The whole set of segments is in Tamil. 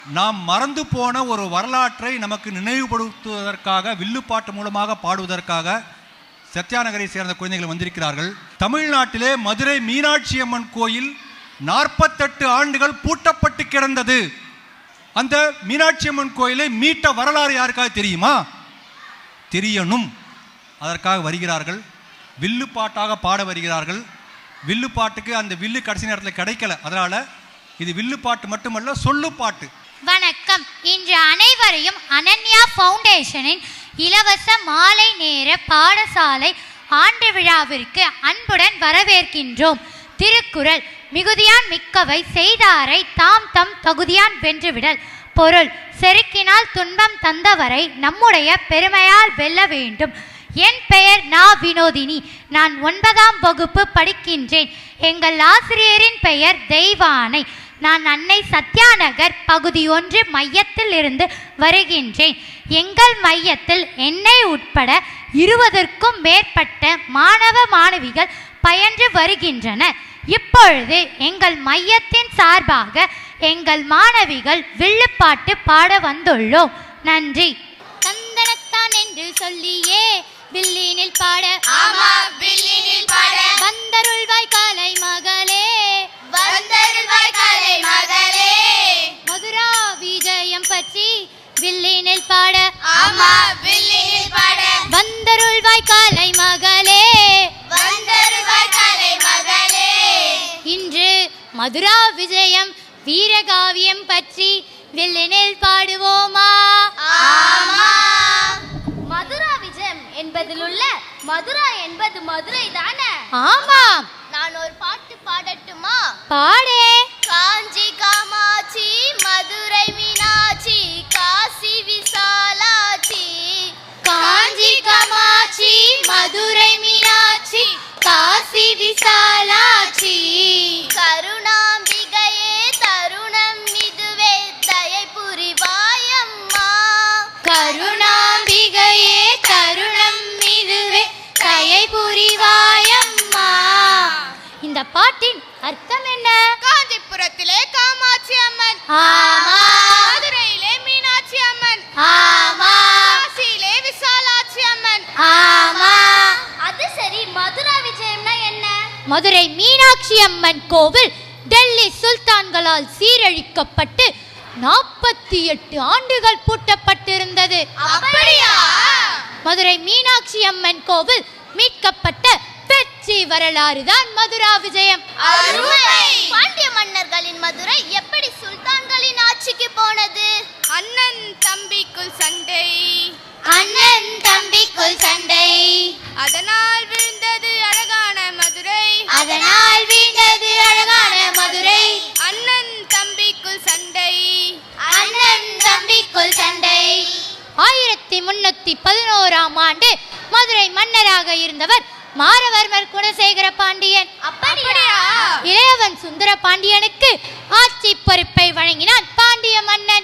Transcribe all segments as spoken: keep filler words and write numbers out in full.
நாம் மறந்து போன ஒரு வரலாற்றை நமக்கு நினைவுபடுத்துவதற்காக வில்லுப்பாட்டு மூலமாக பாடுவதற்காக சத்யாநகரை சேர்ந்த குழந்தைகள் வந்திருக்கிறார்கள். தமிழ்நாட்டிலே மதுரை மீனாட்சி அம்மன் கோயில் நாற்பத்தெட்டு ஆண்டுகள் பூட்டப்பட்டு கிடந்தது. அந்த மீனாட்சி அம்மன் கோயிலை மீட்ட வரலாறு யாருக்காக தெரியுமா? தெரியணும். அதற்காக வருகிறார்கள். வில்லுப்பாட்டாக பாட வருகிறார்கள். வில்லுப்பாட்டுக்கு அந்த வில்லு கடைசி நேரத்தில் கிடைக்கல. அதனால இது வில்லுப்பாட்டு மட்டுமல்ல, சொல்லுப்பாட்டு. வணக்கம். இன்று அனைவரையும் அனன்யா ஃபவுண்டேஷனின் இலவச மாலை நேர பாடசாலை ஆண்டு விழாவிற்கு அன்புடன் வரவேற்கின்றோம். திருக்குறள் மிகுதியான் மிக்கவை செய்தாரை தாம் தம் தகுதியான் வென்றுவிடல். பொருள்: செருக்கினால் துன்பம் தந்தவரை நம்முடைய பெருமையால் வெல்ல வேண்டும். என் பெயர் நா வினோதினி. நான் ஒன்பதாம் வகுப்பு படிக்கின்றேன். எங்கள் ஆசிரியரின் பெயர் தெய்வானை. நான் அன்னை சத்யாநகர் பகுதி ஒன்று மையத்தில் இருந்து வருகின்றேன். எங்கள் மையத்தில் என்னை உட்பட இருபதற்கும் மேற்பட்ட மாணவ மாணவிகள் பயின்று வருகின்றனர். இப்பொழுது எங்கள் மையத்தின் சார்பாக எங்கள் மாணவிகள் வில்லுப்பாட்டு பாட வந்துள்ளோம். நன்றி. தந்தனத்தான் என்று சொல்லியே வில்லினில் பாட, ஆமா வில்லினில் பாட, வந்தருள்வாய் காலை மகளே, வந்தருள்வாய் காலை மகளே, மதுரா விஜயம் பற்றி வில்லினில் பாட, ஆமா வில்லினில் பாட, வந்தருள்வாய் காலை மகளே, வந்தருள்வாய் காலை மகளே. இன்று மதுரா விஜயம் வீரகாவியம் பற்றி வில்லினில் பாடுவோமா? ஆமா. மதுரா விஜயம் என்பதில் உள்ள மதுரா என்பது மதுரை தானே? ஆமாம். நான் ஒரு பாட்டு பாடட்டுமா? பாடே. காஞ்சி காமாட்சி மதுரை மீனாட்சி காசி விசாலாட்சி, காஞ்சி காமாட்சி மதுரை மீனாட்சி காசி விசாலாட்சி, கருணாம்பிகையே தருணம் இதுவே தயை புரிவாயம்மா, கருணாம்பிகையே தருணம் இதுவே தயை புரிவாயம்மா. இந்த பாட்டின் அர்த்தம் என்ன? காஞ்சிபுரத்திலே காமாட்சி அம்மன், ஆமா. மதுரையிலே மீனாட்சி அம்மன், ஆமா. காசியிலே விசாலாட்சி அம்மன், ஆமா. அது சரி, மதுரா விஜயம்னா என்ன? மதுரை மீனாட்சி அம்மன் கோவில் டெல்லி சுல்தான்களால் சீரழிக்கப்பட்டு நாற்பத்தி எட்டு ஆண்டுகள் பூட்டப்பட்டிருந்தது. அப்படியா? மதுரை மீனாட்சி அம்மன் கோவில் மீட்கப்பட்ட வெற்றி வரலாறு தான் மதுரா விஜயம். அருமை. பாண்டிய மன்னர்களின் மதுரை எப்படி சுல்தான்களின் ஆட்சிக்கு போனது? அண்ணன் தம்பிக்குள் சண்டை, அண்ணன் தம்பிக்குள் சண்டை, அதனால் விழுந்தது அழகான மதுரை, அதனால் வீழ்ந்தது அழகான மதுரை, அண்ணன் தம்பிக்குள் சண்டை, அண்ணன் தம்பிக்குள் சண்டை. ஆயிரத்தி முன்னூத்தி பதினோராம் ஆண்டு மதுரை மன்னராக இருந்தவர் மாரவர்மர் குணசேகர பாண்டியன். அப்படியா? இளையவன் சுந்தர பாண்டியனுக்கு ஆட்சி பொறுப்பை வழங்கினான் பாண்டிய மன்னன்.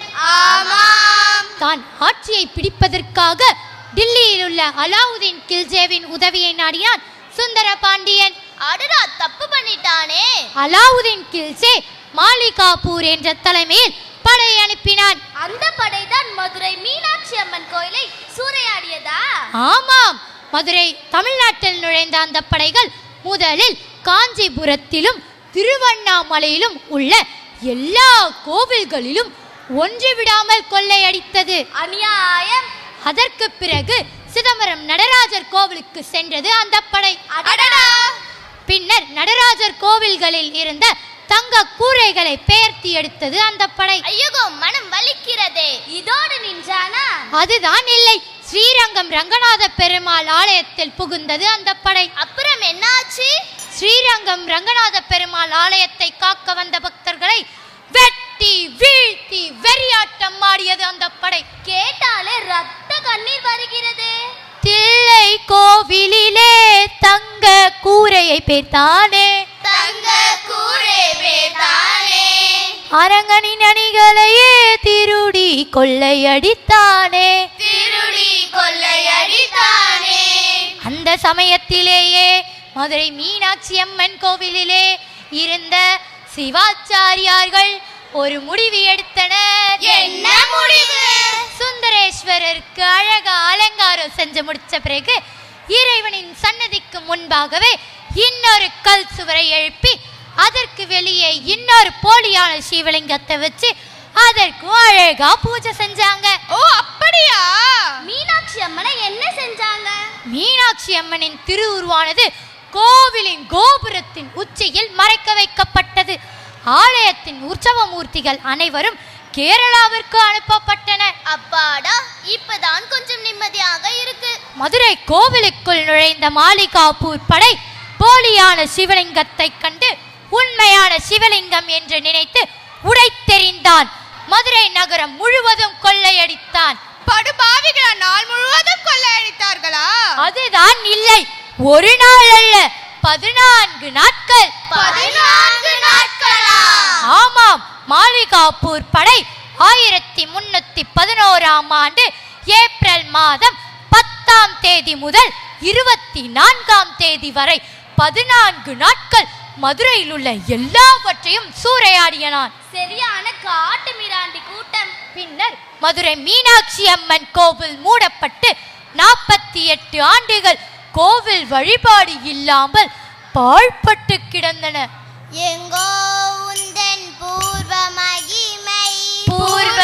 ஆமாம். தான் ஆட்சியை பிடிப்பதற்காக டில்லியில் உள்ள அலாவுதீன் கில்ஜேவின் உதவியை நாடினான் சுந்தர பாண்டியன். அடடா, தப்பு பண்ணிட்டானே. அலாவுதீன் கில்ஜே மாலிகாபூர் என்ற தலைமையில் படை அனுப்பினான். அந்த படைதான் மதுரை மீனாட்சி அம்மன் கோயிலை சூறையாடியதா? ஆமாம். மதுரை தமிழ்நாட்டில் நுழைந்த அந்த படைகள் முதலில் காஞ்சிபுரத்திலும் திருவண்ணாமலையிலும் உள்ள எல்லா கோவில்களிலும் ஒன்று விடாமல் கொள்ளையடித்தது. அநியாயம். அதற்கு பிறகு சிதம்பரம் நடராஜர் கோவிலுக்கு சென்றது அந்த படை. அடடா. பின்னர் நடராஜர் கோவில்களில் இருந்த தங்க கூரைகளை பெயர்த்தி எடுத்தது அந்த படை. ஐயோ, மனம் வலிக்கிறதே. இதோடு நின்றானா? அதுதான் இல்லை, ஸ்ரீரங்கம் ரங்கநாத பெருமாள் ஆலயத்தில் புகுந்தது அந்த படை. அப்புறம் என்னாச்சு? ஸ்ரீரங்கம் ரங்கநாத பெருமாள் ஆலயத்தை காக்க வந்த பக்தர்களை வெட்டி வீழ்த்தி வெறியாட்டம் ஆடியது அந்த படை. கேட்டாலே ரத்த கண்ணீர் வருகிறது. தில்லை கோவிலிலே தங்க கூரையை பேர்த்தானே, தங்க கூரை பேர்த்தானே, அரங்கனின் அணிகளையே திருடி கொள்ளையடித்தானே, திருடி கொள்ளையடித்தானே. அந்த சமயத்திலேயே மதுரை மீனாட்சி அம்மன் கோவிலிலே இருந்த சிவாச்சாரியார்கள் ஒரு முடிவு எடுத்தனர். என்ன முடிவு? சுந்தரேஸ்வரருக்கு அழகா அலங்காரம் செஞ்சு முடிச்ச பிறகு இறைவனின் சன்னதிக்கு முன்பாகவே இன்னொரு கல் சுவரை எழுப்பி அதற்கு வெளியே இன்னொரு போலியான சிவலிங்கத்தை வச்சு அதற்கும் அழகா பூஜை செஞ்சாங்க. ஓ அப்படியா? மீனாட்சி அம்மனை என்ன செஞ்சாங்க? மீனாட்சி அம்மனின் திருவுருவானது கோவிலின் கோபுரத்தின் உச்சியில் மறைக்க வைக்கப்பட்டது. ஆலயத்தின் உற்சவ மூர்த்திகள் அனைவரும் கேரளாவிற்கு அனுப்பப்பட்டனர். அப்பாடா, இப்பதான் கொஞ்சம் நிம்மதியாக இருக்கு. மதுரை கோவிலுக்குள் நுழைந்த மாளிகாப்பூர் படை போலியான சிவலிங்கத்தை கண்டு உண்மையான சிவலிங்கம் என்று நினைத்து உடைத்தெறிந்தான். மதுரை நகரம் முழுவதும் கொள்ளையடித்தான். படுபாவிகளா நாள் முழுவதும் கொள்ளையடித்தார்களா? அதுதான் இல்லை, ஒரு நாள் அல்ல, பதினான்கு நாட்கள். பதினான்கு நாட்களா? ஆமாம். மாளிகாப்பூர் படை ஆயிரத்தி முன்னூத்தி பதினோராம் ஆண்டு ஏப்ரல் மாதம் பத்தாம் தேதி முதல் இருபத்தி நான்காம் தேதி வரை பதினான்கு நாட்கள் மதுரையில் உள்ள எல்லாவற்றையும் சூறையாடியனான். சரியான காட்டு மிராண்டி கூட்டம். பின்னர் மதுரை மீனாட்சி அம்மன் கோவில் மூடப்பட்டு நாற்பத்தி எட்டு ஆண்டுகள் கோவில் வழிபாடு இல்லாமல் பாழ்பட்டு கிடந்தன. எங்கோ உந்தன் பூர்வ மகிமை, பூர்வ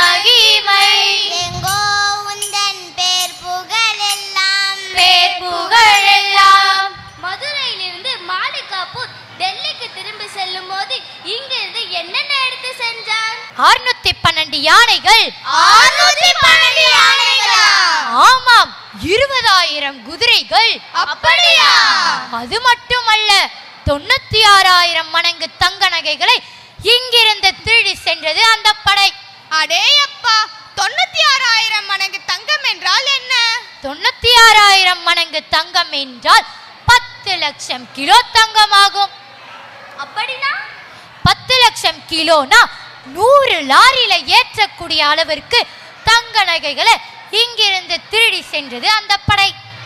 மகிமை, எங்கோ உந்தன் பேர் புகழ் எல்லாம், பேர் புகழ் எல்லாம். மதுரையிலிருந்து மாளிகாப்பூர் டெல்லிக்கு திரும்பி செல்லும் போது இங்கிருந்து என்னென்ன எடுத்து சென்றார்? அறுநூத்தி பன்னெண்டு யானைகள். அறுநூத்தி பன்னெண்டு யானைகளா? ஆமாம். இருபதாயிரம் குதிரைகள். அப்படியா? அது மட்டுமல்ல, தொண்ணூத்தி ஆறாயிரம் மடங்கு தங்க நகைகளை இங்கிருந்து திருடி சென்றது அந்த படை. அடே அப்பா, தொண்ணூத்தி ஆறாயிரம் மடங்கு தங்கம் என்றால் என்ன? தொண்ணூத்தி ஆறாயிரம் மடங்கு தங்கம் என்றால் பத்து லட்சம் கிலோ தங்கமாகும். அப்படின்னா பத்து லட்சம் கிலோனா நூறு லாரியில ஏற்றக்கூடிய அளவிற்கு தங்க நகைகளை இங்கிருந்து திருடி சென்றது அந்த படை.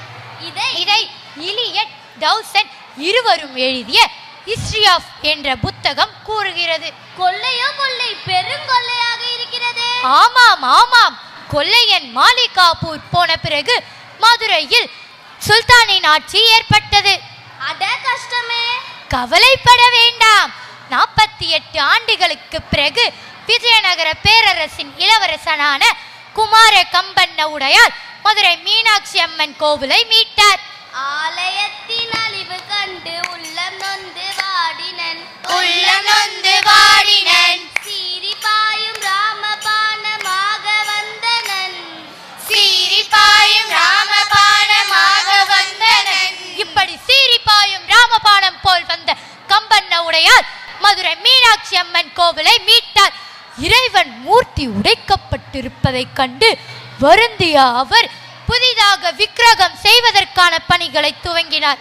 இதை இதை இலியட் டவுசன் இருவரும் எழுதிய ஹிஸ்டரி ஆஃப் என்ற புத்தகம் கூறுகிறது. கொள்ளையோ கொள்ளை, பெருங்கொள்ளையாக இருக்கிறது. ஆமாம் ஆமாம். கொள்ளையன் மாளிகாப்பூர் போன பிறகு மதுரையில் சுல்தானின் ஆட்சி ஏற்பட்டது. அட கஷ்டமே. கவலைப்பட வேண்டாம். நாற்பத்தி எட்டு ஆண்டுகளுக்கு பிறகு விஜயநகர பேரரசின் இளவரசனான குமார கம்பண்ண உடையார் மதுரை மீனாட்சி அம்மன் கோவிலை மீட்டார். ஆலயத்தின் அழிவு கண்டு உள்ளம் நொந்து வாடினன், உள்ளம் நொந்து வாடினன், சீறி பாயும் ராமபானமாக வந்தனன், சீறி பாயும் ராமபானமாக வந்தனன். இப்படி சீறி பாயும் ராமபானம் போல் வந்த கம்பண்ண உடையார் மதுரை மீனாட்சி அம்மன் கோவிலை மீட்டார். இறைவன் மூர்த்தி உடைக்கப்பட்டிருப்பதைக் கண்டு வருந்திய அவர் புதிதாக விக்கிரகம் செய்வதற்கான பணிகளை துவங்கினார்.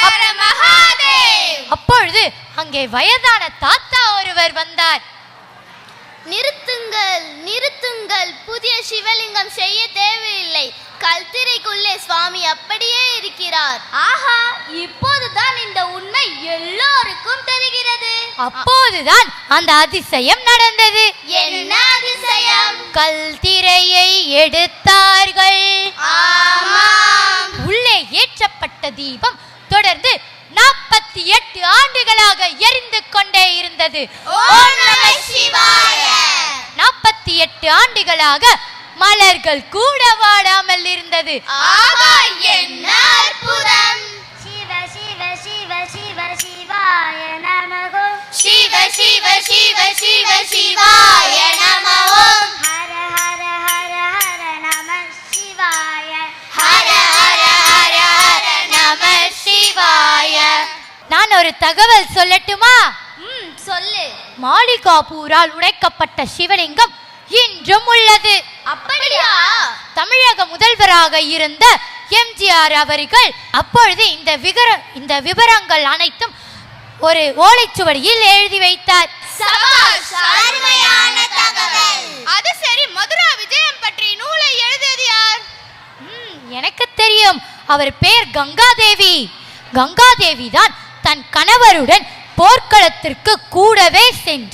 அப்பொழுது அங்கே வயதான தாத்தா ஒருவர் வந்தார். நிறுத்துங்கள், நிறுத்துங்கள், புதிய சிவலிங்கம் செய்ய தேவையில்லை. கல்திரைக்குள்ளே சுவாமி அப்படியே இருக்கிறார். ஆஹா, இப்போதுதான் இந்த உண்மை எல்லோருக்கும் தெரிகிறது. அப்போதுதான் அந்த அதிசயம் நடந்தது. என்ன அதிசயம்? கல்திரையை எடுத்தார்கள். ஆமாம். உள்ளே ஏற்றப்பட்ட தீபம் தொடர்ந்து நாற்பத்தி எட்டு ஆண்டுகளாக எரிந்து கொண்டே இருந்தது. ஓம் நம சிவாய. நாற்பத்தி எட்டு ஆண்டுகளாக மலர்கள் கூட வாடாமல் இருந்தது. ஆஹா, என்ன அற்புதம்! சிவ சிவ சிவ சிவ சிவாய நமகோ, சிவ சிவ சிவ சிவ சிவாய நம ஓம். ஹர ஹர ஹர ஹர நம சிவாய, ஹர ஹர ஹர ஹர நம சிவாய. நான் ஒரு தகவல் சொல்லட்டுமா? ம் சொல்லு. மாளிகாப்பூரால் உடைக்கப்பட்ட சிவலிங்கம் இன்றும் உள்ளது. அப்படியா? தமிழக முதல்வராக இருந்த எம்ஜிஆர் அவர்கள் அப்பொழுது இந்த விகர இந்த விவரங்கள் அனைத்தும் ஒரு ஓலைச்சுவடியில் எழுதி வைத்தார். சபாஷ், அருமையான தகவல். அது சரி, மதுரா விஜயம் பற்றி நூலை எழுதியது யார்? ம், எனக்கு தெரியும். அவர் பேர் கங்காதேவி. கங்காதேவி தான் தன் கணவருடன் போர்க்களத்திற்கு கூடவே சென்று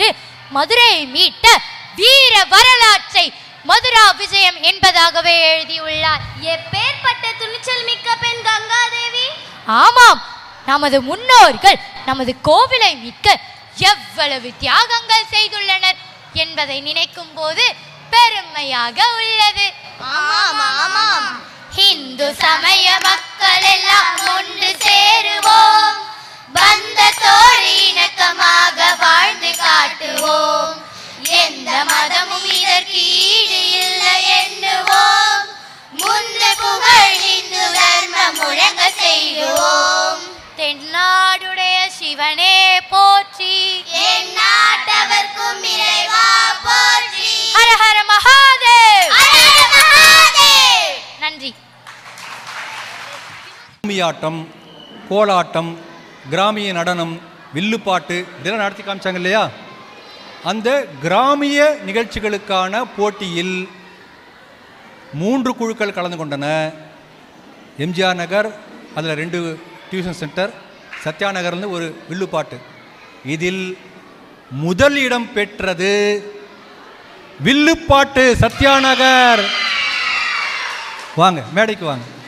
மதுரையை மீட்ட வீர வரலாற்றை மதுரா விஜயம் என்பதாகவே எழுதியுள்ளார். எப்பேற்பட்ட துணிச்சல் மிக்க பெண் கங்காதேவி! ஆமாம், நமது முன்னோர்கள் நமது கோவிலை மீட்க எவ்வளவு தியாகங்கள் செய்துள்ளனர் என்பதை நினைக்கும் போது பெருமையாக உள்ளது. ஆமாம் ஆமாம். இந்து சமய மக்கள் எல்லாம் ஒன்று சேருவோம், பந்தத்தோடு இணக்கமாக வாழ்ந்து காட்டுவோம், எந்த மதமும் இதற்கு ஈடு இல்லை எண்ணுவோம், முந்து புகழ் இந்து தர்மம் முழங்க செய்வோம். தென்னாடுடைய சிவனே போற்றி, என் நாட்டவர்க்கும் இறைவா போற்றி. ஹர ஹர மகாதேவ். ஹர ஹர மகாதேவ். நன்றி. கும்மியாட்டம், கோலாட்டம், கிராமிய நடனம், வில்லுப்பாட்டு இதெல்லாம் நடத்தி காமிச்சாங்க இல்லையா? அந்த கிராமிய நிகழ்ச்சிகளுக்கான போட்டியில் மூன்று குழுக்கள் கலந்து கொண்டன. எம்ஜிஆர் நகர், அதில் ரெண்டு டியூஷன் சென்டர், சத்யா நகர்லேருந்து ஒரு வில்லுப்பாட்டு. இதில் முதல் இடம் பெற்றது வில்லுப்பாட்டு சத்யா நகர். வாங்க மேடைக்கு வாங்க.